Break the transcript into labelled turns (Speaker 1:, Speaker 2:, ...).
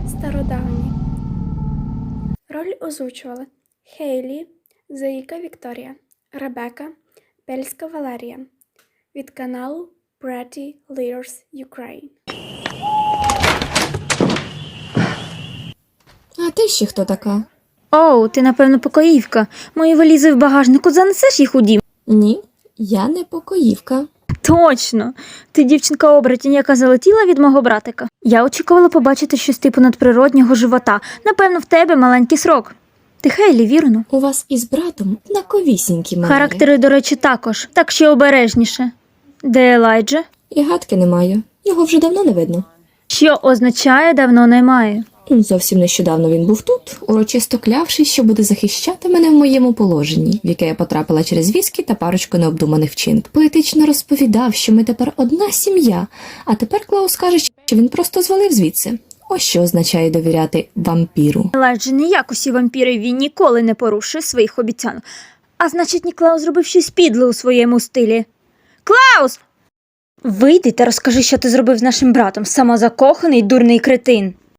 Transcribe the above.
Speaker 1: Стародавні. Роль озвучували Хейлі, Заїка Вікторія, Ребека, Бельська Валерія. Від каналу Pretty Leaders Ukraine.
Speaker 2: А ти ще хто така?
Speaker 3: Оу, ти, напевно, покоївка. Мої валізи в багажнику, занесеш їх у дім?
Speaker 2: Ні, я не покоївка.
Speaker 3: Точно! Ти дівчинка-оборотінь, яка залетіла від мого братика. Я очікувала побачити щось типу надприроднього живота. Напевно, в тебе маленький срок. Ти Хейлі, вірно?
Speaker 2: У вас із братом однаковісінькі манери.
Speaker 3: Характери, до речі, також. Так ще обережніше. Де Елайджа?
Speaker 2: І гадки не маю. Його вже давно не видно.
Speaker 3: Що означає «давно немає»?
Speaker 2: Зовсім нещодавно він був тут, урочисто клявшись, що буде захищати мене в моєму положенні, в яке я потрапила через віскі та парочку необдуманих вчинків. Поетично розповідав, що ми тепер одна сім'я, а тепер Клаус каже, що він просто звалив звідси. Ось що означає довіряти вампіру.
Speaker 3: Елайджа не як усі вампіри, він ніколи не порушує своїх обіцянок. А значить, Ніклаус зробив щось підле у своєму стилі. Клаус! Вийди та розкажи, що ти зробив з нашим братом, самозакоханий дурний кретин.